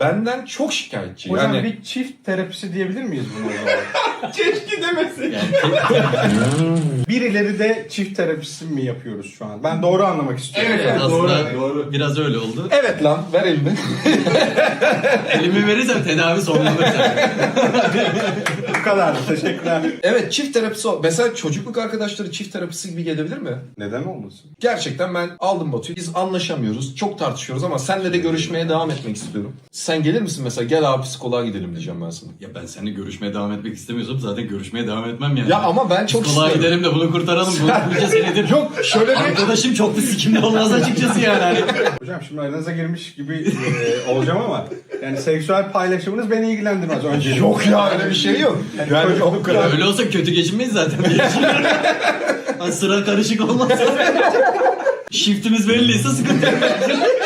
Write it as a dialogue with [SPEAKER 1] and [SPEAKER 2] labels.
[SPEAKER 1] benden çok şikayetçi.
[SPEAKER 2] Hocam
[SPEAKER 1] Yani
[SPEAKER 2] bir çift terapisi diyebilir miyiz buna o zaman?
[SPEAKER 1] keşke demesin.
[SPEAKER 2] Birileri de çift terapisi mi yapıyoruz şu an? Ben doğru anlamak istiyorum.
[SPEAKER 3] Evet, aslında
[SPEAKER 1] doğru.
[SPEAKER 3] biraz öyle oldu.
[SPEAKER 1] Evet lan, ver elini.
[SPEAKER 3] Elimi verirsem tedavi sonlanır zaten.
[SPEAKER 2] Bu kadar. Teşekkürler.
[SPEAKER 1] Evet, çift terapisi. Mesela çocukluk arkadaşları çift terapisi gibi gelebilir mi?
[SPEAKER 2] Neden olmasın?
[SPEAKER 1] Gerçekten ben aldım Batu'yu. Biz anlaşamıyoruz. Çok tartışıyoruz ama senle de görüşmeye devam etmek istiyorum. Sen gelir misin mesela? Gel abi psikoloğa gidelim diyeceğim ben sana.
[SPEAKER 3] Ya ben seninle görüşmeye devam etmek istemiyorsam zaten görüşmeye devam etmem yani.
[SPEAKER 1] Ya ama ben çok
[SPEAKER 3] Psikoloğa
[SPEAKER 1] istiyorum.
[SPEAKER 3] gidelim de bunu kurtaralım. Bunca senedir.
[SPEAKER 1] Yok şöyle bir...
[SPEAKER 3] Arkadaşım çok da sikimli olmaz açıkçası yani. Hani.
[SPEAKER 2] Hocam şimdi aranıza girmiş gibi olacağım ama yani seksüel paylaşımınız beni ilgilendirmez öncelikle.
[SPEAKER 1] Yok ya, öyle bir şey yok. Yani o kadar.
[SPEAKER 3] Öyle olsa kötü geçinmeyiz zaten. Hani sıra karışık olmaz. Shiftimiz belliyse sıkıntı yok.